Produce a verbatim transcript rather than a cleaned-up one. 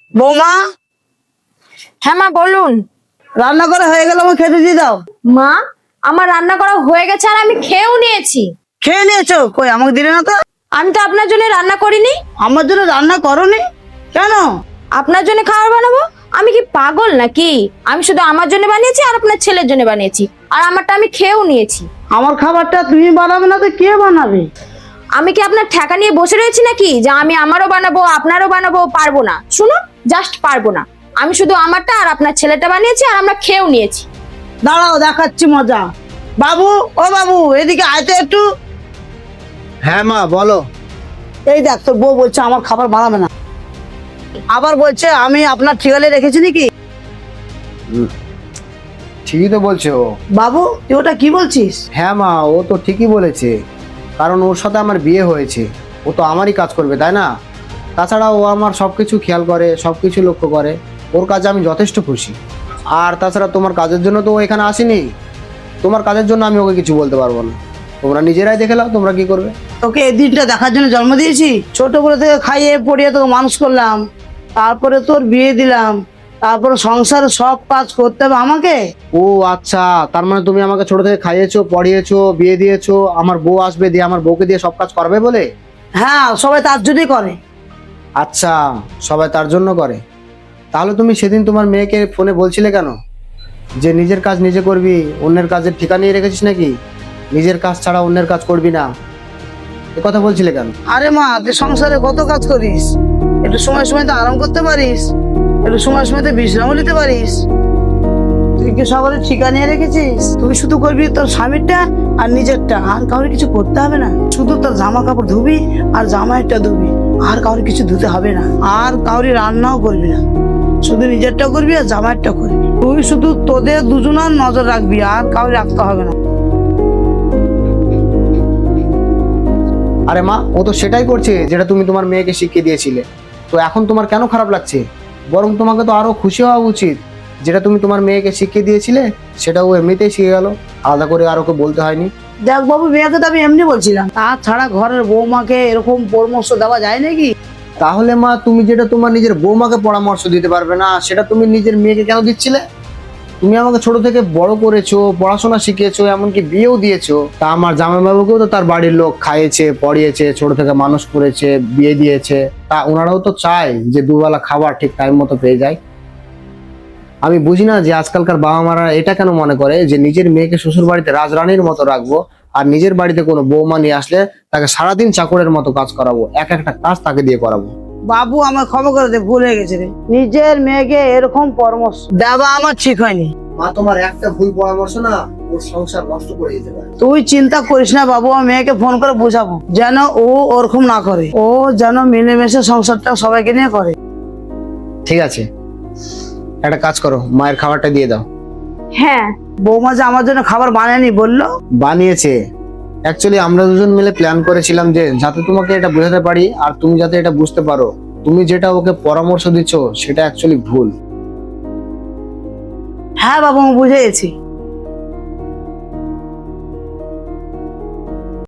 বৌমা, হ্যাঁ মা বলুন। রান্না করা হয়ে গেল, আমাকে খেতে দিয়ে দাও। মা, আমার রান্না করা হয়ে গেছে আর আমি খেয়েও নিয়েছি। খেয়ে নিয়েছো? কই আমাকে দিলে না তো। আমি তো আপনার জন্য রান্না করিনি। আমার জন্য রান্না করনি কেন? আপনার জন্য খাবার বানাবো? আমি কি পাগল নাকি? আমি শুধু আমার জন্য বানিয়েছি আর আপনার ছেলের জন্য বানিয়েছি, আর আমারটা আমি খেয়েও নিয়েছি। আমার খাবারটা তুমি বানাবে না তো কে বানাবে? আমি কি আপনার ঠেকা নিয়ে বসে রয়েছি নাকি যে আমি আমারও বানাবো আপনারও বানাবো? পারবো না, শুনুন, জাস্ট পারবো না। আমি শুধু আমারটা আর আপনার ছেলেটা বানিয়েছি আর আমরা খেয়েও নিয়েছি। দাঁড়াও, দেখাচ্ছি মজা। বাবু, ও বাবু, এদিকে আয় তো একটু। হ্যাঁ মা বলো। এই দেখ, তোর বউ বলছে আমার খাবার বানাবে না, আবার বলছে আমি আপনার ঠিকালে রেখেছি নাকি। ঠিকই তো বলছে ও। বাবু, তুই ওটা কি বলছিস? হ্যাঁ মা, ও তো ঠিকই বলেছে, কারণ ওর সাথে আমার বিয়ে হয়েছে, ও তো আমারই কাজ করবে তাই না? তাছাড়া ও আমার সব কিছু খেয়াল করে, সব কিছু লক্ষ্য করে, ওর কাজে আমি যথেষ্ট খুশি। আর তাছাড়া তোমার কাজের জন্য তো ও এখানে আসেনি, তোমার কাজের জন্য আমি ওকে কিছু বলতে পারবো না। তোমরা নিজেরাই দেখে নাও তোমরা কি করবে। তোকে এই দিনটা দেখার জন্য জন্ম দিয়েছি, ছোটবেলা থেকে খাইয়ে পড়িয়ে তোকে মানুষ করলাম, তারপরে তোর বিয়ে দিলাম, তারপরে সংসারে সব কাজ করতে হবে আমাকে। ও আচ্ছা, তার মানে তুমি আমাকে ছোট থেকে খাইয়েছো, পড়িয়েছো, বিয়ে দিয়েছো, আমার বউ আসবে দিয়ে আমার বউকে দিয়ে সব কাজ করবে বলে? হ্যাঁ, সবাই তার জন্যই করে। আচ্ছা, সবাই তার জন্য করে। তাহলে তুমি সেদিন তোমার মেয়েকে ফোনে বলছিলে কেন যে নিজের কাজ নিজে করবি, অন্যের কাজের ঠিকা নিয়ে রেখেছিস নাকি? নিজের কাজ ছাড়া অন্যের কাজ করবি না, এ কথা বলছিলে কেন? আরে মা, তুই সংসারে কত কাজ করিস, একটু সময় সময় তো আরাম করতে পারিস, একটু সময় সময় তো বিশ্রামও নিতে পারিস। তুই কি সবার ঠিকা নিয়ে রেখেছিস? তুই শুধু করবি তোর স্বামীরটা আর নিজেরটা, আর কাউরে কিছু করতে হবে না। শুধু তোর জামা কাপড় ধুবি আর জামাইটা ধুবি, আর কাউরে কিছু ধুতে হবে না, আর কাউরি রান্নাও করবি না, শুধু নিজেরটা করবি আর জামাইরটা করবি। তুই শুধু তোদের দুজনের নজর রাখবি, আর কাউরি রাখতে হবে না। আরে মা, ও তো সেটাই করছে যেটা তুমি তোমার মেয়েকে শিখিয়ে দিয়েছিলে, তো এখন তোমার কেন খারাপ লাগছে? বরং তোমাকে তো আরো খুশি হওয়া উচিত, যেটা তুমি তোমার মেয়েকে শিখিয়ে দিয়েছিলে সেটা ও এমনিতেই শিখে গেল, আলাদা করে আর ওকে বলতে হয়নি। দেখ বাবু, মেয়েকে তো আমি এমনি বলছিলাম, তাছাড়া ঘরের বৌমাকে এরকম পরামর্শ দেওয়া যায় নাকি? তাহলে মা, তুমি যেটা তোমার নিজের বৌমাকে পরামর্শ দিতে পারবে না, সেটা তুমি নিজের মেয়েকে কেন দিচ্ছিলে? তুমি আমাকে ছোট থেকে বড় করেছো, পড়াশোনা শিখিয়েছো, এমনকি বিয়েও দিয়েছো। তা আমার জামাইবাবুকেও তো তার বাড়ির লোক খাইয়েছে, পড়িয়েছে, ছোট থেকে মানুষ করেছে, বিয়ে দিয়েছে। তা ওনারাও তো চায় যে দুবেলা খাবার ঠিক টাইম মতো পেয়ে যায়। আমি বুঝি না যে আজকালকার বাবা মারা এটা কেন মনে করে যে নিজের মেয়েকে শ্বশুর বাড়িতে রাজরানীর মতো রাখবো, আর নিজের বাড়িতে কোনো বৌমা নিয়ে আসলে তাকে সারাদিন চাকরের মতো কাজ করাবো, এক একটা কাজ তাকে দিয়ে করাবো। বাবু, আমার ক্ষমা করে দে, ভুল হয়ে গেছে রে। নিজের মেয়েকে এরকম পরামর্শ দেওয়া আমার ঠিক হয়নি। মা, তোমার একটা ভুল পরামর্শ না ওর সংসার নষ্ট করে দিতে পারে। তুই চিন্তা করিস না বাবু, আমি মেয়েকে ফোন করে বোঝাবো যেন ও ওরকম না করে, ও যেন মিলেমিশে সংসারটা সবাইকে নিয়ে করে। ঠিক আছে, একটা কাজ করো, মায়ের খাবারটা দিয়ে দাও। হ্যাঁ, বৌমা যে আমার জন্য খাবার বানায়নি বললো। বানিয়েছে। অ্যাকচুয়ালি আমরা দুজন মিলে প্ল্যান করেছিলাম যে যাতে তোমাকে এটা বোঝাতে পারি আর তুমি যাতে এটা বুঝতে পারো তুমি যেটা ওকে পরামর্শ দিচ্ছ সেটা অ্যাকচুয়ালি ভুল। হ্যাঁ বাবু, আমি বুঝে গেছি।